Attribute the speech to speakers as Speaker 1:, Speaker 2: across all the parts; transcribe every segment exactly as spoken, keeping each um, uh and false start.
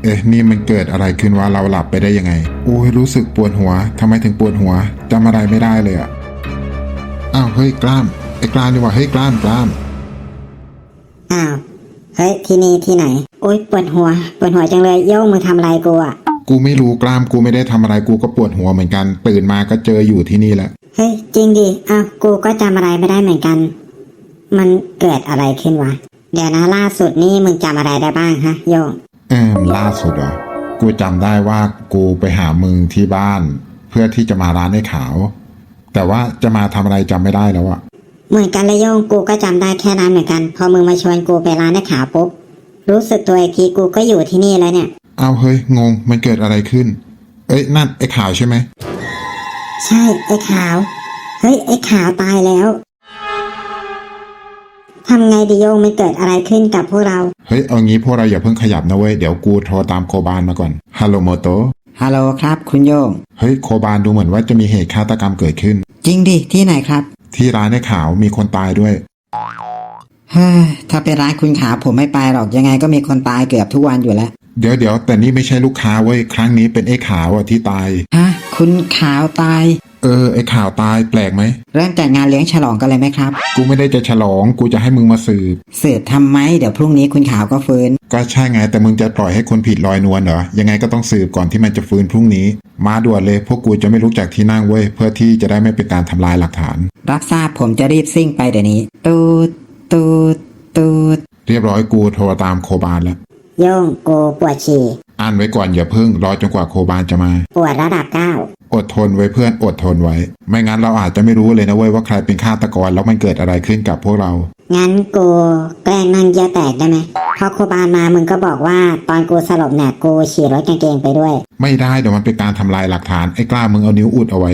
Speaker 1: เอ๊ะนี่มันเกิดอะไรขึ้นวะเราหลับไปได้ยังไงโอ้ยรู้สึกปวดหัวทำไมถึงปวดหัวจำอะไรไม่ได้เลยอะอ้าวเฮ้ยกล้ามไอ้กล้ามนี่วะเฮ้ยกล้ามกล้าม
Speaker 2: อ้าวเฮ้ยที่นี่ที่ไหนโอ๊ยปวดหัวปวดหัวจังเลยโย่งมึงทำอะไรกูอ่ะ
Speaker 1: กูไม่รู้กล้ามกูไม่ได้ทำอะไรกูก็ปวดหัวเหมือนกันตื่นมาก็เจออยู่ที่นี่แหละ
Speaker 2: เฮ้ยจริงดิอ้าวกูก็จำอะไรไม่ได้เหมือนกันมันเกิดอะไรขึ้นวะเดี๋ยวนะล่าสุดนี่มึงจำอะไรได้บ้างฮะโย่ง
Speaker 1: เออล่าสุดเหรอกูจำได้ว่ากูไปหามึงที่บ้านเพื่อที่จะมาร้านไอ้ขาวแต่ว่าจะมาทำอะไรจำไม่ได้แล้วอะ
Speaker 2: เหมือนกันเลยโย่งกูก็จำได้แค่นั้นเหมือนกันพอมึงมาชวนกูไปร้านไอ้ขาวปุ๊บรู้สึกตัวอีกทีกูก็อยู่ที่นี่แล้วเนี่ย
Speaker 1: เอาเฮ้ยงงมันเกิดอะไรขึ้นเอ้ยนั่นไอ้ขาวใช่ไหม
Speaker 2: ใช่ไอ้ขาวเฮ้ยไอ้ขาวตายแล้วทำไงดิโยงมันเกิดอะไรขึ้นกับพวกเรา
Speaker 1: เฮ้ยเอางี้พวกเราอย่าเพิ่งขยับนะเว้ยเดี๋ยวกูโทรตามโคบานมาก่อนฮัลโหลโมโต
Speaker 3: ฮัลโหลครับคุณโยง
Speaker 1: เฮ้ยโคบานดูเหมือนว่าจะมีเหตุฆาตกรรมเกิดขึ้น
Speaker 3: จริงดิที่ไหนครับ
Speaker 1: ที่ร้านไอ้ขาวมีคนตายด้วย
Speaker 3: เฮ้ยถ้าเป็นร้านคุณขาวผมไม่ไปหรอกยังไงก็มีคนตายเกือบทุกวันอยู่แล้ว
Speaker 1: เดี๋ยวเดี๋ยวแต่นี่ไม่ใช่ลูกค้าเว้ยครั้งนี้เป็นไอ้ขาวอะที่ตาย
Speaker 3: ฮะคุณขาวตาย
Speaker 1: เออไอ้ข่าวตายแปลกไหม
Speaker 3: เริ่มจัดงานเลี้ยงฉลองกันเลยไหมครับ
Speaker 1: กูไม่ได้จะฉลองกูจะให้มึงมาสืบ
Speaker 3: สืบทำไมเดี๋ยวพรุ่งนี้คุณขาวก็ฟื้น
Speaker 1: ก็ใช่ไงแต่มึงจะปล่อยให้คนผิดลอยนวลเหรอยังไงก็ต้องสืบก่อนที่มันจะฟื้นพรุ่งนี้มาด่วนเลยพวกกูจะไม่ลุกจากที่นั่งเว้ยเพื่อที่จะได้ไม่เป็นการทำลายหลักฐาน
Speaker 3: รับทราบผมจะรีบซิ่งไปเดี๋ยวนี้ตูดตูดตูด
Speaker 1: เรียบร้อยกูโทรตามโคบานแล้ว
Speaker 2: โย่งกูปวดฉี่
Speaker 1: อ่านไว้ก่อนอย่าเพิ่งรอจนกว่าโคบานจะมา
Speaker 2: ปวดระดับเก้า
Speaker 1: อดทนไว้เพื่อนอดทนไว้ไม่งั้นเราอาจจะไม่รู้เลยนะเว้ยว่าใครเป็นฆาตกรแล้วมันเกิดอะไรขึ้นกับพวกเรา
Speaker 2: งั้นกูแกล้งนั่งเยี่ยวแตกได้ไหมพอโคบานมามึงก็บอกว่าตอนกูสลบเนี่ยกูฉี่รถกางเกงไปด้วย
Speaker 1: ไม่ได้เดี๋ยวมันเป็นการทำลายหลักฐานไอ้กล้ามึงเอานิ้วอุดเอาไว้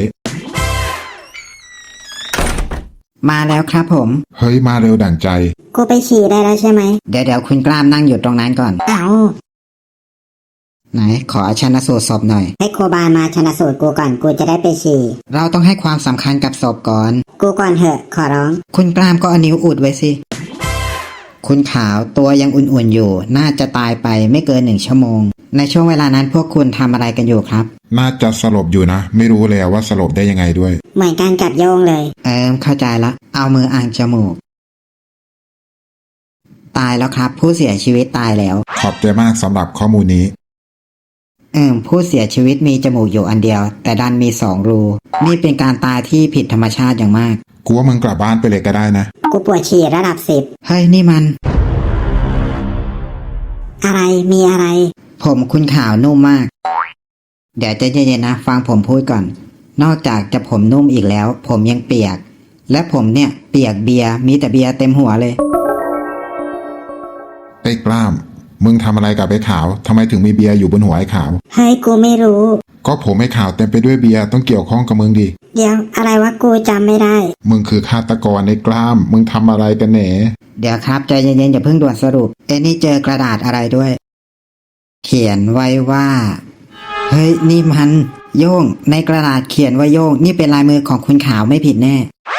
Speaker 3: มาแล้วครับผม
Speaker 1: เฮ้ยมาเร็วดั่งใจ
Speaker 2: กูไปฉี่ได้แล้วใช่ไหม
Speaker 3: เดี๋ยวเดี๋ยวคุณกล้ามนั่งอยู่ตรงนั้นก่อน
Speaker 2: เอ้า
Speaker 3: ไหนขอชันสูตรศพหน่อย
Speaker 2: ให้โคบานมาชันสูตรกูก่อนกูจะได้ไปฉี่
Speaker 3: เราต้องให้ความสำคัญกับศพก่อน
Speaker 2: กูก่อนเถอะขอร้อง
Speaker 3: คุณกล้ามก็เอานิ้วอุดไว้สิคุณขาวตัวยังอุ่นๆอยู่น่าจะตายไปไม่เกินหนึ่งชั่วโมงในช่วงเวลานั้นพวกคุณทำอะไรกันอยู่ครับ
Speaker 1: น่าจะสลบอยู่นะไม่รู้เลยว่าสลบได้ยังไงด้วย
Speaker 2: เหมือนกันกับโยงเลย
Speaker 3: เออเข้าใจละเอามืออ่างจมูกตายแล้วครับผู้เสียชีวิตตายแล้ว
Speaker 1: ขอบใจมากสำหรับข้อมูลนี้
Speaker 3: เออผู้เสียชีวิตมีจมูกอยู่อันเดียวแต่ดันมีสองรูนี่เป็นการตายที่ผิดธรรมชาติอย่างมาก
Speaker 1: กูว่ามึงกลับบ้านไปเลยก็ได้นะ
Speaker 2: กูปวดฉี่ระดับสิบ
Speaker 3: เฮ้ยนี่มัน
Speaker 2: อะไรมีอะไร
Speaker 3: ผมคุณขาวนุ่มมากเดี๋ยวใจเย็นๆนะฟังผมพูดก่อนนอกจากจะผมนุ่มอีกแล้วผมยังเปียกและผมเนี่ยเปียกเบียร์มีแต่เบียร์เต็มหัวเลย
Speaker 1: ไอ้กล้ามมึงทำอะไรกับไอ้ขาวทำไมถึงมีเบียร์อยู่บนหัวไอ้ขาว
Speaker 2: เฮ้ยกูไม่รู้
Speaker 1: ก็ผมไอ้ขาวเต็มไปด้วยเบียร์ต้องเกี่ยวข้องกับมึงดิ
Speaker 2: เดี๋ยวอะไรวะกูจำไม่ได้
Speaker 1: มึงคือฆาตกรไอ้กล้ามมึงทำอะไรกันแหน
Speaker 3: เดี๋ยวครับใจเย็นๆอย่าเพิ่งด่วนสรุปเอ้นี่เจอกระดาษอะไรด้วยเขียนไว้ว่าเฮ้ยนี่มันโย่งในกระดาษเขียนว่าโย่งนี่เป็นลายมือของคุณขาวไม่ผิดแน่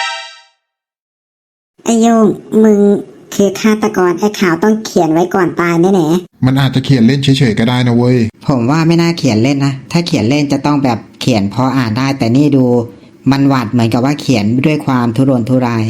Speaker 2: ไอ้โย่งมึงคือฆาตกรไอ้ขาวต้องเขียนไว้ก่อนตายแน่
Speaker 1: ๆมันอาจจะเขียนเล่นเฉยๆก็ได้นะเว้ย
Speaker 3: ผมว่าไม่น่าเขียนเล่นนะถ้าเขียนเล่นจะต้องแบบเขียนพออ่านได้แต่นี่ดูมันหวาดเหมือนกับว่าเขียนด้วยความทุรนทุราย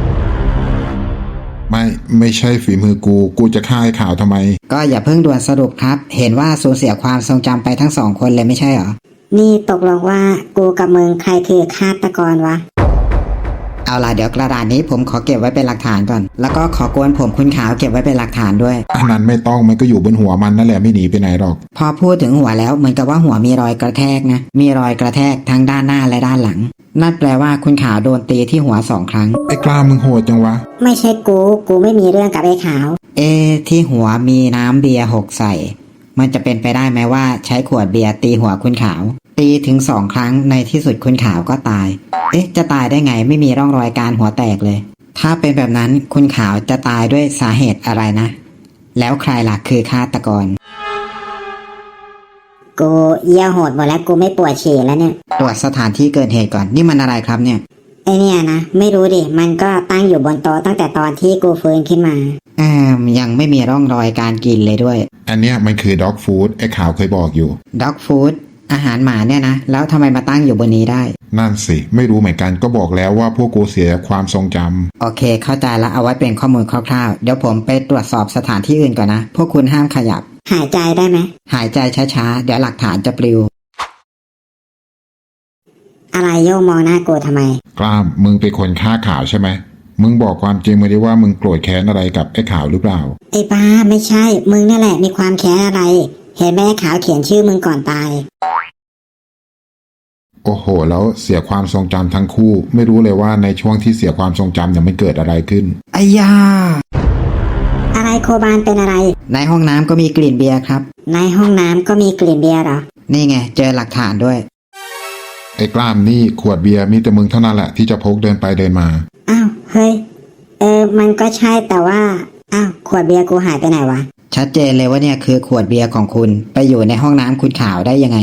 Speaker 1: ไม่ไม่ใช่ฝีมือกูกูจะฆ่าไอ้ขาวทำไม
Speaker 3: ก็อย่าเพิ่งด่วนสรุปครับเห็นว่าสูญเสียความทรงจำไปทั้งสองคนเลยไม่ใช่เหรอ
Speaker 2: นี่ตกลงว่ากูกับมึงใครคือฆาตกรวะ
Speaker 3: เอาล่ะเดี๋ยวกระดาษนี้ผมขอเก็บไว้เป็นหลักฐานก่อนแล้วก็ขอกวนผมคุณขาวเก็บไว้เป็นหลักฐานด้วย
Speaker 1: อันนั้นไม่ต้องมันก็อยู่บนหัวมันนั่นแหละไม่หนีไปไหนหรอก
Speaker 3: พอพูดถึงหัวแล้วเหมือนกับว่าหัวมีรอยกระแทกนะมีรอยกระแทกทั้งด้านหน้าและด้านหลังนั่นแปลว่าคุณขาวโดนตีที่หัวสองครั้ง
Speaker 1: ไอ้กล้ามึงโหดจังวะ
Speaker 2: ไม่ใช่กูกูไม่มีเรื่องกับไอ้ขาว
Speaker 3: เอที่หัวมีน้ำเบียร์หกใส่มันจะเป็นไปได้ไหมว่าใช้ขวดเบียร์ตีหัวคุณขาวตีถึงสองครั้งในที่สุดคุณขาวก็ตายเอ๊ะจะตายได้ไงไม่มีร่องรอยการหัวแตกเลยถ้าเป็นแบบนั้นคุณขาวจะตายด้วยสาเหตุอะไรนะแล้วใครล่ะคือฆาตกร
Speaker 2: กูเยี่ยวโหดหมดแล้วกูไม่ปวดฉี่แล้วเนี่ย
Speaker 3: ตรวจสถานที่เกิดเหตุก่อนนี่มันอะไรครับเนี่ย
Speaker 2: ไอเนี่ยนะไม่รู้ดิมันก็ตั้งอยู่บนโต๊ะตั้งแต่ตอนที่กูฟื้นขึ้นมา
Speaker 3: เออมยังไม่มีร่องรอยการกินเลยด้วย
Speaker 1: อันเนี้ยมันคือด็อกฟู้ดไอ้ข่าวเคยบอกอยู่
Speaker 3: ด็อกฟู้ดอาหารหมาเนี่ยนะแล้วทำไมมาตั้งอยู่บนนี้ได้
Speaker 1: นั่นสิไม่รู้เหมือนกันก็บอกแล้วว่าพวกกูเสียความทรงจำ
Speaker 3: โอเคเข้าใจแล้วเอาไว้เป็นข้อมูลคร่าวๆเดี๋ยวผมไปตรวจสอบสถานที่อื่นก่อนนะพวกคุณห้ามขยับ
Speaker 2: หายใจได้ไหม
Speaker 3: หายใจช้าๆเดี๋ยวหลักฐานจะปลิว
Speaker 2: อะไรโยงมองหน้ากูทำไม
Speaker 1: กล้ามมึงเป็นคนฆ่าข่าวใช่ไหมมึงบอกความจริงมาดิว่ามึงโกรธแค้นอะไรกับไอ้ข่าวหรือเปล่า
Speaker 2: ไอ้บ้าไม่ใช่ มึงนั่นแหละมีความแค้นอะไร เห็นแม่ขาวเขียนชื่อมึงก่อนตาย
Speaker 1: โอ้โหแล้วเสียความทรงจำทั้งคู่ ไม่รู้เลยว่าในช่วงที่เสียความทรงจำเนี่ยมันเกิดอะไรขึ้น
Speaker 3: ไอ้ยา
Speaker 2: อะไรโคบานเป็นอะไร
Speaker 3: ในห้องน้ำก็มีกลิ่นเบียร์ครับ
Speaker 2: ในห้องน้ำก็มีกลิ่นเบียร์เหรอ
Speaker 3: นี่ไงเจอหลักฐานด้วย
Speaker 1: ไอ้กล้ามนี่ขวดเบียร์มีแต่มึงเท่านั้นแหละที่จะพกเดินไปเดินมา
Speaker 2: อ้าวเฮ้ยเออมันก็ใช่แต่ว่าอ้าวขวดเบียร์กูหายไปไหนวะ
Speaker 3: ชัดเจนเลยว่าเนี่ยคือขวดเบียร์ของคุณไปอยู่ในห้องน้ำคุณข่าวได้ยังไง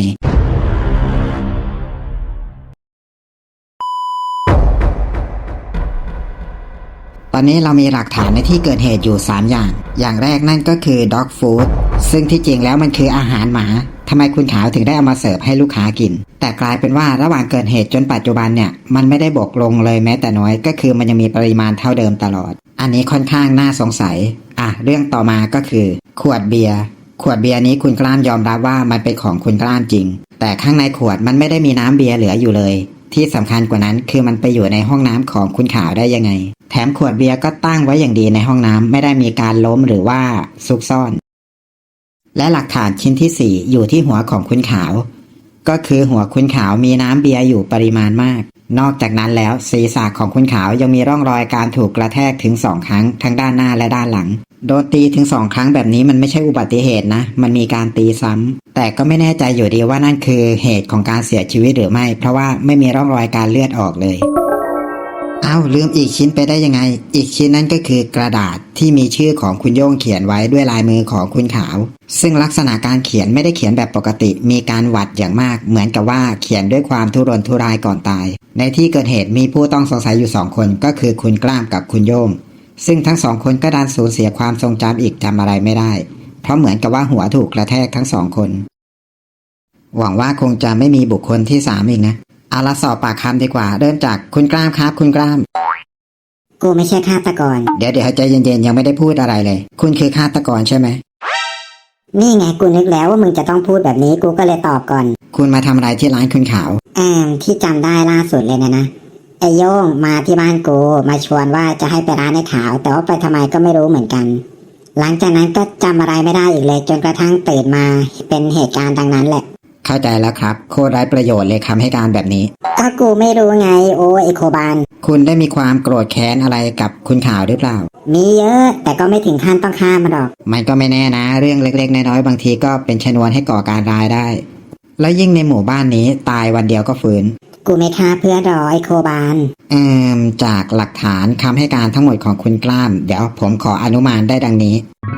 Speaker 3: ตอนนี้เรามีหลักฐานในที่เกิดเหตุอยู่สามอย่าง อย่างแรกนั่นก็คือ dog food ซึ่งที่จริงแล้วมันคืออาหารหมาทำไมคุณขาวถึงได้เอามาเสิร์ฟให้ลูกค้ากิน แต่กลายเป็นว่าระหว่างเกิดเหตุจนปัจจุบันเนี่ยมันไม่ได้บกลงเลยแม้แต่น้อยก็คือมันยังมีปริมาณเท่าเดิมตลอด อันนี้ค่อนข้างน่าสงสัยอ่ะเรื่องต่อมาก็คือขวดเบียร์ขวดเบียร์นี้คุณกล้ามยอมรับว่ามันเป็นของคุณกล้ามจริงแต่ข้างในขวดมันไม่ได้มีน้ำเบียร์เหลืออยู่เลยที่สำคัญกว่านั้นคือมันไปอยู่ในห้องน้ำของคุณขาวได้ยังไงแถมขวดเบียร์ก็ตั้งไว้อย่างดีในห้องน้ำไม่ได้มีการล้มหรือว่าซุกซ่อนและหลักฐานชิ้นที่สี่อยู่ที่หัวของคุณขาวก็คือหัวคุณขาวมีน้ำเบียร์อยู่ปริมาณมากนอกจากนั้นแล้วศีรษะของคุณขาวยังมีร่องรอยการถูกกระแทกถึงสองครั้งทั้งด้านหน้าและด้านหลังโดนตีถึงสองครั้งแบบนี้มันไม่ใช่อุบัติเหตุนะมันมีการตีซ้ำแต่ก็ไม่แน่ใจอยู่ดีว่านั่นคือเหตุของการเสียชีวิตหรือไม่เพราะว่าไม่มีร่องรอยการเลือดออกเลยอ้าวลืมอีกชิ้นไปได้ยังไงอีกชิ้นนั้นก็คือกระดาษที่มีชื่อของคุณโย่งเขียนไว้ด้วยลายมือของคุณขาวซึ่งลักษณะการเขียนไม่ได้เขียนแบบปกติมีการหวัดอย่างมากเหมือนกับว่าเขียนด้วยความทุรนทุรายก่อนตายในที่เกิดเหตุมีผู้ต้องสงสัยอยู่สองคนก็คือคุณกล้ามกับคุณโย่งซึ่งทั้งสองคนก็ดันสูญเสียความทรงจำอีกจำอะไรไม่ได้เพราะเหมือนกับว่าหัวถูกกระแทกทั้งสองคนหวังว่าคงจะไม่มีบุคคลที่สามอีกนะเอาละสอบปากคำดีกว่าเริ่มจากคุณกล้ามครับคุณกล้าม
Speaker 2: กูไม่ใช่ฆาตกร
Speaker 3: เดี๋ยวเดี๋ยวใจเย็นๆยังไม่ได้พูดอะไรเลยคุณคือฆาตกรใช่ไหม
Speaker 2: นี่ไงกูนึกแล้วว่ามึงจะต้องพูดแบบนี้กูก็เลยตอบก่อน
Speaker 3: คุณมาทำอะไรที่ร้านคุณขาว
Speaker 2: แอมที่จำได้ล่าสุดเลยนะนะไอโย่งมาที่บ้านกูมาชวนว่าจะให้ไปร้านไอ้ขาวแต่ว่าไปทำไมก็ไม่รู้เหมือนกันหลังจากนั้นก็จำอะไรไม่ได้อีกเลยจนกระทั่งตื่นมาเป็นเหตุการณ์ดังนั้นแหละ
Speaker 3: เข้าใจแล้วครับโคตรไร้ประโยชน์เลยคำให้การแบบนี้
Speaker 2: ก็กูไม่รู้ไงโอ้ไอโคบาน
Speaker 3: คุณได้มีความโกรธแค้นอะไรกับคุณขาวหรือเปล่า
Speaker 2: มีเยอะแต่ก็ไม่ถึงขั้นต้องฆ่ามันหรอก
Speaker 3: มันก็ไม่แน่นะเรื่องเล็กๆน้อยๆบางทีก็เป็นชนวนให้ก่อการร้ายได้แล้วยิ่งในหมู่บ้านนี้ตายวันเดียวก็ฟื้น
Speaker 2: กูไม่ฆ่าเพื่อนหรอไอโคบาน
Speaker 3: เอ่อจากหลักฐานคำให้การทั้งหมดของคุณกล้ามเดี๋ยวผมขออนุมานได้ดังนี้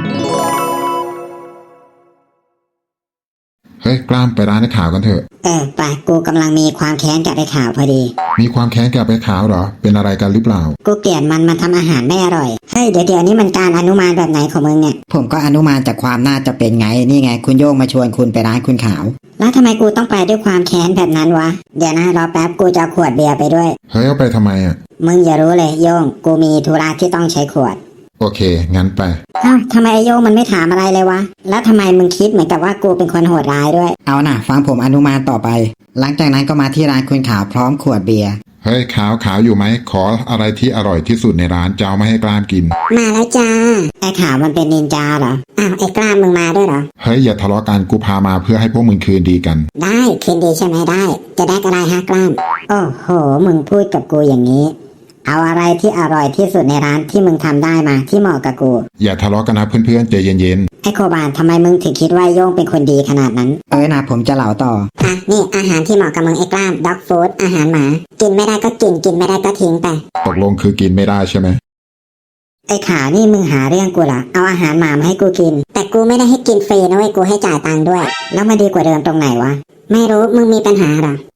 Speaker 1: เฮ้ยกล้ามไปร้านไอ้ขาวกันเถอะ
Speaker 2: เออไปกูกำลังมีความแค้นกับไอ้ขาวพอดี
Speaker 1: มีความแค้นกับไอ้ขาวเหรอเป็นอะไรกันหรือเปล่า
Speaker 2: กูเกลียดมันมันทำอาหารไม่อร่อยเฮ้ยเดี๋ยวเดี๋ยวนี้มันการอนุมานแบบไหนของมึงเนี่ย
Speaker 3: ผมก็อนุมานจากความน่าจะเป็นไงนี่ไงคุณโย่งมาชวนคุณไปร้านคุณขาว
Speaker 2: แล้วทำไมกูต้องไปด้วยความแค้นแบบนั้นวะเดี๋ยวนะรอแป๊บกูจะขวดเบียร์ไปด้วย
Speaker 1: เฮ้ยเอาไปทำไมอ่ะ
Speaker 2: มึงอย่ารู้เลยโย่งกูมีธุระที่ต้องใช้ขวด
Speaker 1: โอเคงั้นไป
Speaker 2: อ้าวทำไมไอโย่งมันไม่ถามอะไรเลยวะแล้วทำไมมึงคิดเหมือนกับว่ากูเป็นคนโหดร้ายด้วย
Speaker 3: เอาน่ะฟังผมอนุมานต่อไปหลังจากนั้นก็มาที่ร้านคุณขาวพร้อมขวดเบียร์
Speaker 1: เฮ้ยขาวขาวอยู่ไหมขออะไรที่อร่อยที่สุดในร้านจะเอามาให้กล้ามกิน
Speaker 2: มาแล้วจ้าไอขาวมันเป็นนินจาเหรออ้าวไอกล้ามมึงมาด้วยเหรอ
Speaker 1: เฮ้ยอย่าทะเลาะกันกูพามาเพื่อให้พวกมึงคืนดีกัน
Speaker 2: ได้คืนดีใช่ไหมได้จะได้อะไรฮะกล้ามโอ้โหมึงพูดกับกูอย่างนี้เอาอะไรที่อร่อยที่สุดในร้านที่มึงทำได้มาที่เหมาะกับกู
Speaker 1: อย่าทะเลาะกันนะเพื่อนๆใจเย็น
Speaker 2: ๆไอโคบานทำไมมึงถึงคิดว่าโย่งเป็นคนดีขนาดนั้น
Speaker 3: เอ้ยนะผมจะเล่าต่อ
Speaker 2: อ่ะนี่อาหารที่เหมาะกับมึงไอกล้ามด็อกฟู้ดอาหารหมากินไม่ได้ก็กินกินไม่ได้ก็ทิ้งไป
Speaker 1: ตกลงคือกินไม่ได้ใช่ไหม
Speaker 2: ไอขานี่มึงหาเรื่องกูเหรอเอาอาหารหมามาให้กูกินแต่กูไม่ได้ให้กินฟรีนะเว้ยกูให้จ่ายตังค์ด้วยแล้วมาดีกว่าเดิมตรงไหนวะไม่รู้มึงมีปัญหาหรอ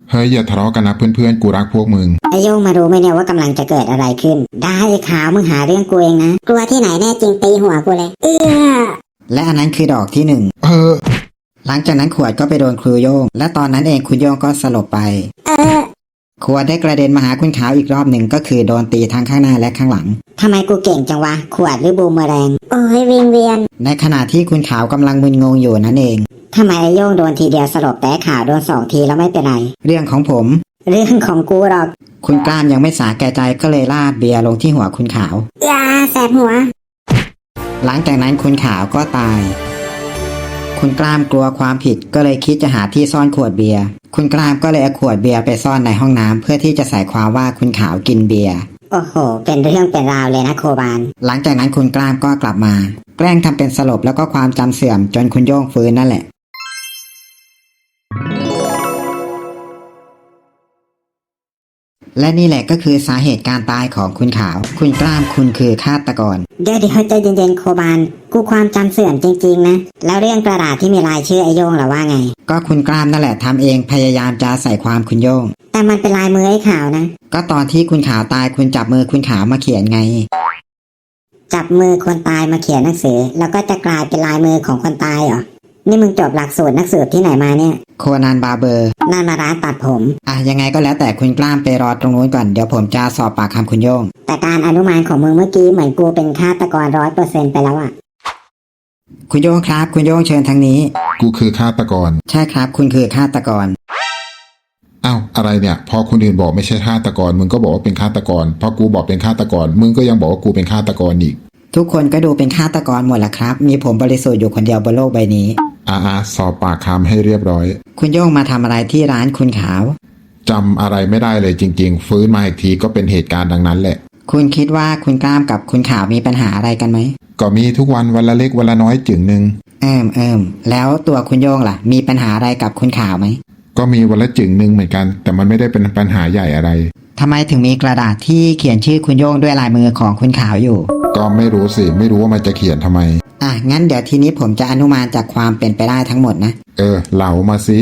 Speaker 1: เฮ้ยอย่าทะเลาะกันนะเพื่อนๆกูรักพวกมึง
Speaker 2: ไอโยงมารู้ไหมเนี่ยว่ากำลังจะเกิดอะไรขึ้น ได้ไอ้ขาวมึงหาเรื่องกูเองนะกลัวที่ไหนแน่จริงตีหัวกูเลยเออ
Speaker 3: และอันนั้นคือดอกที่หนึ่ง
Speaker 1: เออ
Speaker 3: หลังจากนั้นขวดก็ไปโดนครูโย่งและตอนนั้นเองคุณโย่งก็สลบไป
Speaker 2: เออ
Speaker 3: ขวดได้กระเด็นมาหาคุณขาวอีกรอบหนึ่งก็คือโดนตีทั้งข้างหน้าและข้างหลัง
Speaker 2: ทำไมกูเก่งจังวะขวดหรือบูมเมอแรงโอ้ยวิงเวียน
Speaker 3: ในขณะที่คุณขาวกำลังมึนงงอยู่นั่นเอง
Speaker 2: ทำไมไอโยงโดนทีเดียวสลบแต่ไอ้ขาวโดนสองทีแล้วไม่เป็นไร
Speaker 3: เรื่องของผม
Speaker 2: เรื่องของกูหรอก
Speaker 3: คุณกล้ามยังไม่สาแก่ใจก็เลยราดเบียร์ลงที่หัวคุณขาว
Speaker 2: ยาแสบหัว
Speaker 3: หลังจากนั้นคุณขาวก็ตาย คุณกล้ามกลัวความผิดก็เลยคิดจะหาที่ซ่อนขวดเบียร์คุณกล้ามก็เลยเอาขวดเบียร์ไปซ่อนในห้องน้ำเพื่อที่จะใส่ความว่าคุณขาวกินเบียร์
Speaker 2: โอ้โหเป็นเรื่องเป็นราวเลยนะโคบาน
Speaker 3: หลังจากนั้นคุณกล้ามก็กลับมา แกล้งทำเป็นสลบแล้วก็ความจำเสื่อมจนคุณโย่งฟื้นนั่นแหละ และนี่แหละก็คือสาเหตุการตายของคุณขาว คุณกล้ามคุณคือฆาตกร
Speaker 2: เดี๋ยวเดี๋ยวใจเย็นๆโคบานกูความจำเสื่อมจริงๆนะแล้วเรื่องกระดาษที่มีลายชื่อไอโยงล่ะว่าไง
Speaker 3: ก็คุณกล้ามนั่นแหละทำเองพยายามจะใส่ความคุณโย่ง
Speaker 2: แต่มันเป็นลายมือไอ้ขาวนะ
Speaker 3: ก็ตอนที่คุณขาวตายคุณจับมือคุณขาวมาเขียนไง
Speaker 2: จับมือคนตายมาเขียนหนังสือ แล้วก็จะกลายเป็นลายมือของคนตายเหรอนี่มึงจบหลักสูตรนักสืบที่ไหนมาเนี่ย
Speaker 3: โคนันบาร์เบอร์
Speaker 2: นั่นมาร้านตัดผม
Speaker 3: อ่ะยังไงก็แล้วแต่คุณกล้ามไปรอตรงนู้นก่อนเดี๋ยวผมจะสอบปากคำคุณโย่ง
Speaker 2: แต่การอนุมานของมึงเมื่อกี้เหมือนกูเป็นฆาตกรร้อยเปอร์เซ็นต์ไปแล้วอะ
Speaker 3: คุณโย่งครับคุณโย่งเชิญทางนี้
Speaker 1: กูคือฆาตกร
Speaker 3: ใช่ครับคุณคือฆาตกร
Speaker 1: อ้าวอะไรเนี่ยพอคนอื่นบอกไม่ใช่ฆาตกรมึงก็บอกว่าเป็นฆาตกรพอกูบอกเป็นฆาตกรมึงก็ยังบอกว่ากูเป็นฆาตกรอีก
Speaker 3: ทุกคนก็ดูเป็นฆาตกรหมดละครับ มีผมบริสุทธิ์อยู่คนเดียวบนโลกใบนี้
Speaker 1: อาอาสอบปากคำให้เรียบร้อย
Speaker 3: คุณโย่งมาทำอะไรที่ร้านคุณขาว
Speaker 1: จำอะไรไม่ได้เลยจริงๆ ฟื้นมาอีกทีก็เป็นเหตุการณ์ดังนั้นแหละ
Speaker 3: คุณคิดว่าคุณกล้ามกับคุณขาวมีปัญหาอะไรกันไหม
Speaker 1: ก็มีทุกวันวันละเล็กวันละน้อยจึงหนึ่ง
Speaker 3: เอิมเอิมแล้วตัวคุณโย่งล่ะ มีปัญหาอะไรกับคุณขาวไหม
Speaker 1: ก็มีวันละจึงหนึ่งเหมือนกัน แต่มันไม่ได้เป็นปัญหาใหญ่อะไร
Speaker 3: ทำไมถึงมีกระดาษที่เขียนชื่อคุณโย่งด้วยลายมือของคุณขาวอยู่
Speaker 1: ก็ไม่รู้สิไม่รู้ว่ามันจะเขียนทำไม
Speaker 3: อ่ะงั้นเดี๋ยวทีนี้ผมจะอนุมานจากความเป็นไปได้ทั้งหมดนะ
Speaker 1: เออเหลามาสิ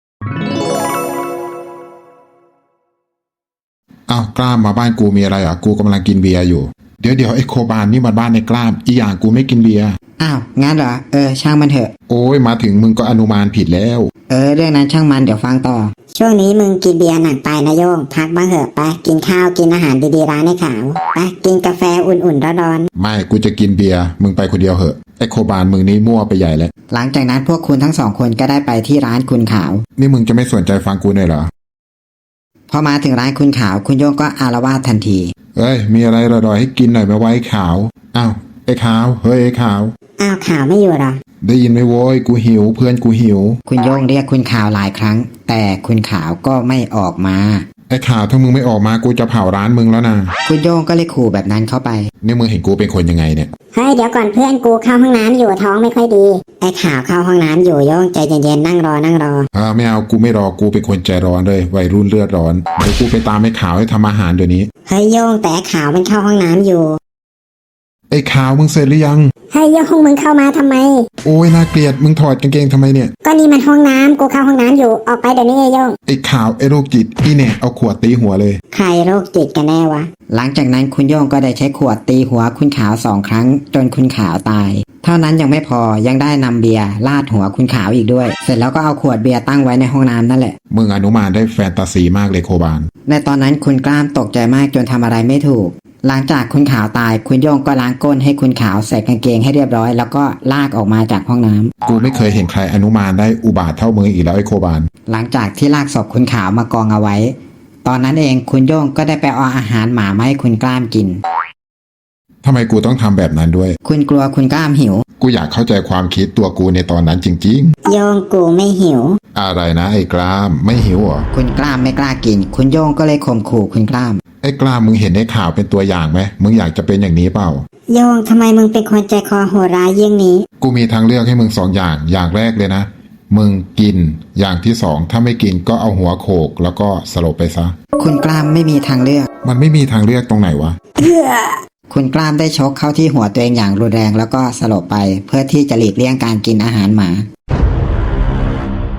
Speaker 1: อ้าวกล้ามมาบ้านกูมีอะไรอ่ะกูกำลังกินเบียร์อยู่เดี๋ยวเดี๋ยวไอ้โคบานนี่มันบ้านในกล้ามอีอย่างกูไม่กินเบียร์
Speaker 3: อ้าวงั้นเหรอเออช่างมันเถอะ
Speaker 1: โอ้ยมาถึงมึงก็อนุมานผิดแล้ว
Speaker 3: เออเรื่องนั้นช่างมันเดี๋ยวฟังต่อ
Speaker 2: ช่วงนี้มึงกินเบียร์หนักไปนะโยงพักบ้างเหอะไปกินข้าวกินอาหารดีๆร้านไอ้ขาวไปกินกาแฟอุ่นๆร้อน
Speaker 1: ไม่กูจะกินเบียร์มึงไปคนเดียวเหอะไอ้โคบานมึงนี่มั่วไปใหญ่แล้ว
Speaker 3: หลังจากนั้นพวกคุณทั้งสองคนก็ได้ไปที่ร้านคุณขาว
Speaker 1: นี่มึงจะไม่สนใจฟังกูหน่อยเหรอ
Speaker 3: พอมาถึงร้านคุณขาวคุณโย่งก็อารวาสทันที
Speaker 1: เอ้ยมีอะไรรอๆให้กินหน่อยไหมวะไอ้ขาวอ้าวไอ้ขาวเฮ้ยไอ้ขาว
Speaker 2: ๆอ้าวขาวไม่อยู่เหรอ
Speaker 1: ได้ยินไหมโว้ยกูหิวเพื่อนกูหิว
Speaker 3: คุณโย่งเรียกคุณขาวหลายครั้ง แต่คุณขาวก็ไม่ออกมา
Speaker 1: ไอ้ขาวถ้ามึงไม่ออกมากูจะเผาร้านมึงแล้วนะ
Speaker 3: คุณโย่งก็เลยขู่แบบนั้นเข้าไป
Speaker 1: นี่มึงเห็นกูเป็นคนยังไงเนี่ย
Speaker 2: เฮ้ยเดี๋ยวก่อนเพื่อนกูเข้าห้องน้ำอยู่ท้องไม่ค่อยดีไอ้ขาวเข้าห้องน้ำอยู่โยงใจเย็นๆนั่งรอนั่งรอ
Speaker 1: อ่าไม่เอากูไม่รอกูเป็นคนใจร้อนเลยวัยรุ่นเลือดร้อนเดี๋ยวกูไปตามไอ้ขาวให้ทำอาหารเดี๋ยวนี้
Speaker 2: เฮ้ยโยงแต่ไอ้ขาวมันเข้าห้องน้ำอยู่
Speaker 1: ไอ้ขาวมึงเสร็จหรือยัง
Speaker 2: เฮ้ยโยงมึงเข้ามาทำไม
Speaker 1: โอ้ยน่าเกลียดมึงถอดกางเกงทำไมเนี่ย
Speaker 2: ก็นี่มันห้องน้ำกูเข้าห้องน้ำอยู่ออกไปเดี๋ยวนี้ไอ้โยง
Speaker 1: ไอ้ขาวไอ้โรคจิตอีเนี่ยเอาขวดตีหัวเลย
Speaker 2: ใครโรคจิตกันแน่วะ
Speaker 3: หลังจากนั้นคุณโย่งก็ได้ใช้ขวดตีหัวคุณขาวสองครั้งจนคุณขาวตาย เท่านั้นยังไม่พอยังได้นำเบียร์ลาดหัวคุณขาวอีกด้วย เสร็จแล้วก็เอาขวดเบียร์ตั้งไว้ในห้องน้ำนั่นแหละ
Speaker 1: มึงอนุมานได้แฟนตาซีมากเลยโคบาน
Speaker 3: ในตอนนั้นคุณกล้ามตกใจมากจนทำอะไรไม่ถูก หลังจากคุณขาวตายคุณโย่งก็ล้างก้นให้คุณขาวใส่กางเกงให้เรียบร้อยแล้วก็ลากออกมาจากห้องน้ำ
Speaker 1: กูไม่เคยเห็นใครอนุมานได้อุบาทเท่ามึงอีกแล้วไอ้โคบาน
Speaker 3: หลังจากที่ลากศพคุณขาวมากองเอาไว้ ตอนนั้นเองคุณโย่งก็ได้ไปเอาอาหารหมามาให้คุณกล้ามกิน
Speaker 1: ทำไมกูต้องทำแบบนั้นด้วย
Speaker 3: คุณกลัวคุณกล้ามหิว
Speaker 1: กูอยากเข้าใจความคิดตัวกูในตอนนั้นจริง
Speaker 2: โยงกูไม่หิว
Speaker 1: ๆ อะไรนะไอ้กล้ามไม่หิวเหรอ
Speaker 3: คุณกล้ามไม่กล้ากิน คุณโย่งก็เลยข่มขู่คุณกล้าม
Speaker 1: ไอ้กล้ามมึงเห็นในข่าวเป็นตัวอย่างไหมมึงอยากจะเป็นอย่างนี้เปล่า
Speaker 2: โยงทำไมมึงเป็นคนใจคอโหดร้ายเยี่ยงนี้
Speaker 1: กูมีทางเลือกให้มึงสองอย่างอย่างแรกเลยนะมึงกินอย่างที่สองถ้าไม่กินก็เอาหัวโขกแล้วก็สลบไปซะ
Speaker 3: คุณกล้ามไม่มีทางเลือก
Speaker 1: มันไม่มีทางเลือกตรงไหนวะ
Speaker 3: คุณกล้ามได้ชกเข้าที่หัวตัวเองอย่างรุนแรงแล้วก็สลบไป เพื่อที่จะหลีกเลี่ยงการกินอาหารหมา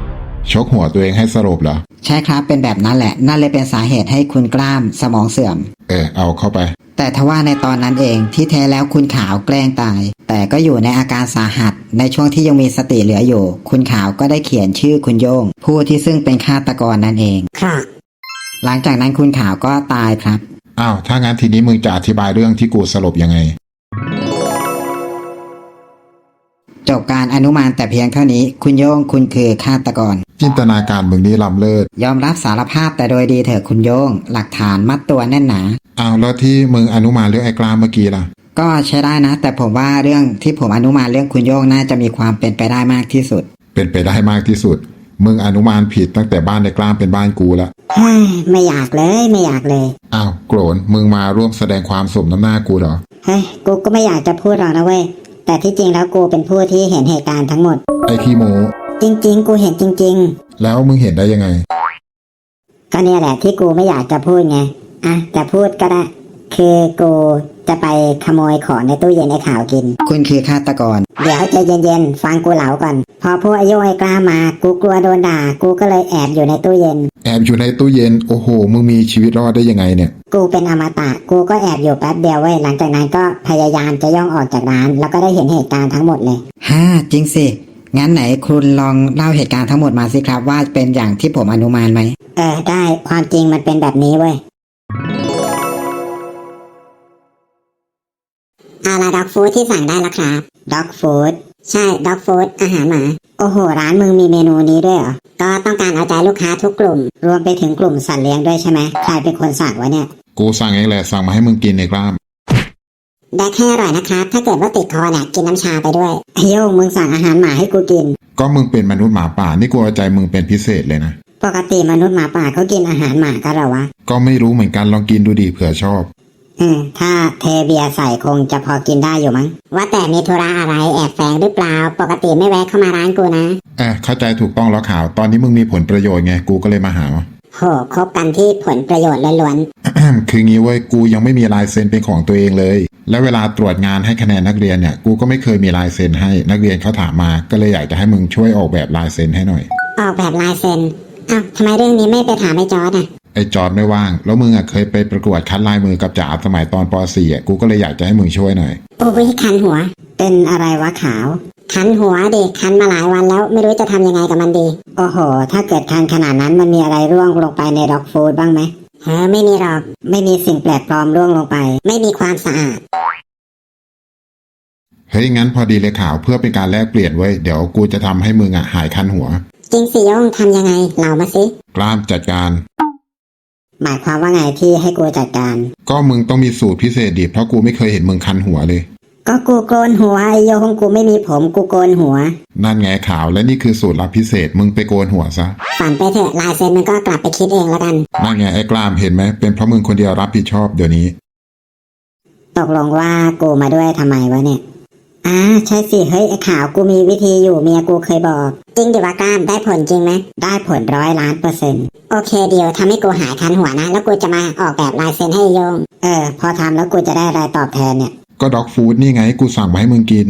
Speaker 1: ชกหัวตัวเองให้สลบเหรอ
Speaker 3: ใช่ครับเป็นแบบนั้นแหละนั่นเลยเป็นสาเหตุให้คุณกล้ามสมองเสื่อม
Speaker 1: เออเอาเข้าไป
Speaker 3: แต่ทว่าในตอนนั้นเองที่แท้แล้วคุณขาวแกล้งตาย แต่ก็อยู่ในอาการสาหัสในช่วงที่ยังมีสติเหลืออยู่ คุณขาวก็ได้เขียนชื่อคุณโย่งผู้ที่ซึ่งเป็นฆาตกรนั่นเอง
Speaker 2: ค่ะ
Speaker 3: หลังจากนั้นคุณขาวก็ตายครับ
Speaker 1: อ้าวถ้างั้นทีนี้มึงจะอธิบายเรื่องที่กูสลบยังไง
Speaker 3: จบการอนุมานแต่เพียงเท่านี้คุณโย่งคุณคือฆาตกร
Speaker 1: จินตนาการมึงนี่ล้ำเลิศ
Speaker 3: ยอมรับสารภาพแต่โดยดีเถอะคุณโย่งหลักฐานมัดตัวแน่นหนา
Speaker 1: อ้าวแล้วที่มึงอนุมานเรื่องไอ้กล้ามเมื่อกี้ล่ะ
Speaker 3: ก็ใช้ได้นะ แต่ผมว่าเรื่องที่ผมอนุมานเรื่องคุณโย่งน่าจะมีความเป็นไปได้มากที่สุด
Speaker 1: เป็นไปได้มากที่สุด มึงอนุมานผิดตั้งแต่บ้านในกล้ามเป็นบ้านกูละ
Speaker 2: เฮ้ยไม่อยากเลยไม่อยากเลย
Speaker 1: อ้าวโกรนมึงมาร่วมแสดงความสมน้ำหน้ากูเหรอ
Speaker 2: เฮ้ยกูก็ไม่อยากจะพูดหรอกนะเว้ยแต่ที่จริงแล้วกูเป็นผู้ที่เห็นเหตุการณ์ทั้งหมด
Speaker 1: ไอ้ขี้โม
Speaker 2: จริง ๆ กูเห็นจริง
Speaker 1: แล้วมึงเห็นได้ยังไง
Speaker 2: ๆ ก็เนี่ยแหละที่กูไม่อยากจะพูดไงอ่ะแต่พูดก็ได้ คือกูจะไปขโมยของในตู้เย็นไอ้ขาวกิน
Speaker 3: คุณคือฆาตกร
Speaker 2: เดี๋ยวใจเย็นๆฟังกูเหลาก่อนพอพวกไอ้โยงไอ้กล้ามากูกลัวโดนด่ากูก็เลยแอบอยู่ในตู้เย็น
Speaker 1: แอบอยู่ในตู้เย็นโอ้โหมึงมีชีวิตรอดได้ยังไงเนี่ย
Speaker 2: กูเป็นอมตะกูก็แอบอยู่แป๊บเดียวเว้ยหลังจากนั้นก็พยายามจะย่องออกจากร้าน แล้วก็ได้เห็นเหตุการณ์ทั้งหมดเลย
Speaker 3: ฮ่าจริงสิ งั้นไหนคุณลองเล่าเหตุการณ์ทั้งหมดมาสิครับว่าเป็นอย่างที่ผมอนุมานไหม
Speaker 2: เออได้ความจริงมันเป็นแบบนี้เว้ยเอาละด็อกฟู้ดที่สั่งได้แล้วครับด็อกฟู้ดใช่ด็อกฟู้ดอาหารหมาโอ้โหร้านมึงมีเมนูนี้ด้วยเหรอก็ต้องการเอาใจลูกค้าทุกกลุ่ม รวมไปถึงกลุ่มสัตว์เลี้ยงด้วยใช่ไหมใครเป็นคนสั่งวะเนี่ย
Speaker 1: กูสั่งเองแหละสั่งมาให้มึงกินในกล้าม
Speaker 2: แดกให้อร่อยนะครับ ถ้าเกิดว่าติดคอเนี่ยกินน้ำชาไปด้วยไอโยงมึงสั่งอาหารหมาให้กูกิน
Speaker 1: ก็มึงเป็นมนุษย์หมาป่านี่กูเอาใจมึงเป็นพิเศษเลยนะ
Speaker 2: ปกติมนุษย์หมาป่าเขากินอาหารหมากันเหรอวะ
Speaker 1: ก็ไม่รู้เหมือนกันลองกินดูดิเผื่อชอบ
Speaker 2: อืมถ้าเทเบียร์ใส่คงจะพอกินได้อยู่มั้งว่าแต่มีธุระอะไรแอบแฝงหรือเปล่าปกติไม่แวะเข้ามาร้านกูนะ
Speaker 1: เออเข้าใจถูกต้องแล้วข่าวตอนนี้มึงมีผลประโยชน์ไงกูก็เลยมาหา
Speaker 2: โหคบกันที่ผลประโยชน์ล้วน
Speaker 1: คืองี้เว้ยกูยังไม่มีลายเซ็นเป็นของตัวเองเลย แล้วเวลาตรวจงานให้คะแนนนักเรียนเนี่ยกูก็ไม่เคยมีลายเซ็นให้นักเรียนเขาถามมาก็เลยอยากจะให้มึงช่วยออกแบบลายเซ็นให้หน่อย
Speaker 2: ๆออกแบบลายเซ็นอ้าวทำไมเรื่องนี้ไม่ไปถามไอ้จอร์ดอ่ะ
Speaker 1: ไอ้จอร์ดไม่ว่างแล้วมึงอ่ะเคยไปประกวดคัดลายมือกับจ๋าสมัยตอนป .สี่ อ่ะกูก็เลยอยากจะให้มึงช่วยหน่อย
Speaker 2: โอ้ยคันหัว เป็นอะไรวะขาว คันหัวดิคันมาหลายวันแล้วไม่รู้จะทำยังไงกับมันดี โอ้โห ถ้าเกิดคันขนาดนั้นมันมีอะไรร่วงลงไปในด็อกฟู้ดบ้างไหมเออไม่มีหรอกไม่มีสิ่งแปลกปลอมร่วงลงไป ไม่มีความสะอาด
Speaker 1: เฮ้ยงั้นพอดีเลยข่าวเพื่อเป็นการแลกเปลี่ยนเว้ยเดี๋ยวกูจะทำให้มึงอ่ะหายคันหัว
Speaker 2: จริงสิโยงทำยังไงเล่ามาสิ
Speaker 1: กล้ามจัดการ
Speaker 2: หมายความว่าไงที่ให้กูจัดการ
Speaker 1: ก็มึงต้องมีสูตรพิเศษดิเพราะกูไม่เคยเห็นมึงคันหัวเลย
Speaker 2: ก็กูโกนหัวไอโยงกูไม่มีผมกูโกนหัว
Speaker 1: นั่นไงข่าวและนี่คือสูตรลับพิเศษมึงไปโกนหัวซะ
Speaker 2: ฝันไปเถอะลายเซ็นมันก็กลับไปคิดเองแล้วกัน
Speaker 1: นั่นไงไอ้กล้ามเห็นไหมเป็นเพราะมึงคนเดียวรับผิดชอบเดี๋ยวนี้
Speaker 2: ตกลงว่ากูมาด้วยทำไมวะเนี่ยอ่าใช่สิเฮ้ยไอ้ขาวกูมีวิธีอยู่เมียกูเคยบอก จริงดิวะกล้ามได้ผลจริงไหมได้ผลร้อยล้านเปอร์เซ็นต์โอเคเดียวทำให้กูหายคันหัวนะแล้วกูจะมาออกแบบลายเซ็นให้โยงเออพอทำแล้วกูจะได้อะไรตอบแทนเนี่ย
Speaker 1: ก็ด็อกฟู้ดนี่ไงกูสั่งมาให้มึงกิน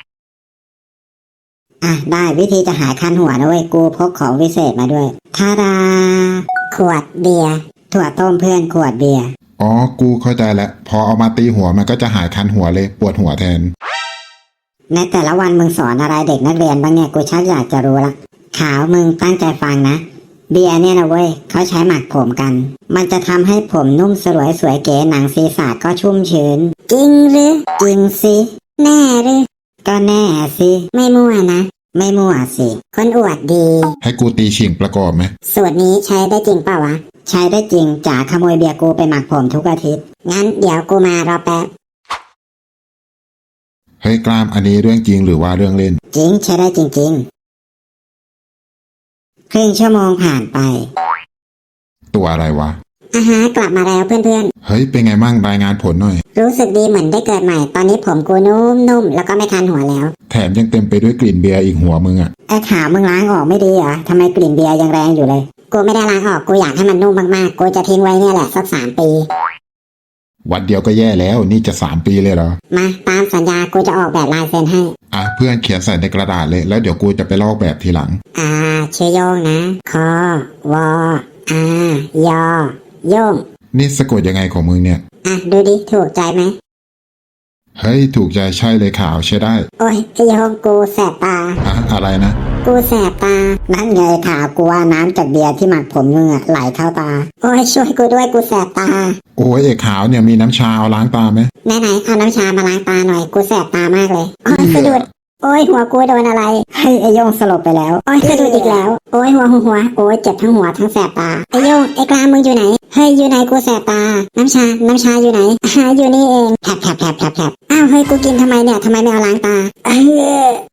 Speaker 2: อ่ะได้วิธีจะหายคันหัวนะเว้ยกูพกของวิเศษมาด้วยทาดาขวดเบียร์ถั่วต้มเพื่อนขวดเบียร์
Speaker 1: อ๋อกูเข้าใจแล้วพอเอามาตีหัวมันก็จะหายคันหัวเลยปวดหัวแทน
Speaker 2: ในแต่ละวันมึงสอนอะไรเด็กนักเรียนบ้างเนี่ยกูชักอยากจะรู้ละขาวมึงตั้งใจฟังนะเบียร์เนี่ยนะเว้ยเขาใช้หมักผมกัน มันจะทำให้ผมนุ่มสลวยสวยเก๋หนังศีรษะก็ชุ่มชื้นจริงหรือจริงสิแน่หรือก็แน่สิไม่มั่วนะไม่มั่วสิคนอวดดี
Speaker 1: ให้กูตีฉิงประกอบไหม
Speaker 2: สูตรนี้ใช้ได้จริงเปล่าวะใช้ได้จริงจ๋าขโมยเบียร์กูไปหมักผมทุกอาทิตย์งั้นเดี๋ยวกูมารอแป๊บ
Speaker 1: เฮ้ยกล้ามอันนี้เรื่องจริงหรือว่าเรื่องเล่น
Speaker 2: จริงใช้ได้จริงๆครึ่งชั่วโมงผ่านไป
Speaker 1: ตัวอะไรวะ
Speaker 2: อาฮะกลับมาแล้วเพื่อน
Speaker 1: เฮ้ยเป็นไงมั่งรายงานผลหน่อย
Speaker 2: ๆรู้สึกดีเหมือนได้เกิดใหม่ตอนนี้ผมกูนุ่มๆแล้วก็ไม่คันหัวแล้ว
Speaker 1: แถมยังเต็มไปด้วยกลิ่นเบียร์อีกหัวมึงอะ
Speaker 2: ไอ้ขาวมึงล้างออกไม่ดีเหรอทำไมกลิ่นเบียร์ยังแรงอยู่เลยกูไม่ได้ล้างออกกูอยากให้มันนุ่มมากๆกูจะทิ้งไว้เนี่ยแหละสักสามปี
Speaker 1: วันเดียวก็แย่แล้วนี่จะสามปีเลยเหรอ
Speaker 2: มาตามสัญญากูจะออกแบบลายเซ็นให้
Speaker 1: อ่ะเพื่อนเขียนใส่ในกระดาษเลยแล้วเดี๋ยวกูจะไปลอกแบบทีหลัง
Speaker 2: อ่าชื่อโยงนะคอวออายอโยง
Speaker 1: นี่สะกดยังไงของมึงเนี่ย
Speaker 2: อ่ะดูดิถูกใจไหม
Speaker 1: เฮ้ยถูกใจใช่เลยขาวใช้ได้
Speaker 2: โอ้ยไอ้โยงกูแสบตา
Speaker 1: อะอะไรนะ
Speaker 2: กูแสบตา นั่นไงขาวกูว่าน้ำจากเบียร์ที่หมักผมมึงอะไหลเข้าตา โอ้ยช่วยกูด้วยกูแสบตา
Speaker 1: โอ้ยเอกขาวเนี่ยมีน้ำชาเอาล้างตาไหม
Speaker 2: ไหนไหนๆเอาน้ำชามาล้างตาหน่อยกูแสบตามากเลย โอ้ยสะดุด โอ้ยหัวกูโดนอะไรเฮ้ยไอโยงสลบไปแล้ว โอ้ยสะดุดอีกแล้ว โอ้ยหัวหัวหัวโอ้ยเจ็บทั้งหัวทั้งแสบตา ไอโยงไอกลางมึงอยู่ไหน เฮ้ยอยู่ไหนกูแสบตา น้ำชา น้ำชาอยู่ไหนหาอยู่นี่เองแผลบแผลบแผลบแผลบแผลบอ้าวเฮ้ยกูกินทำไมเนี่ยทำไมไม่เอาล้างตา เออ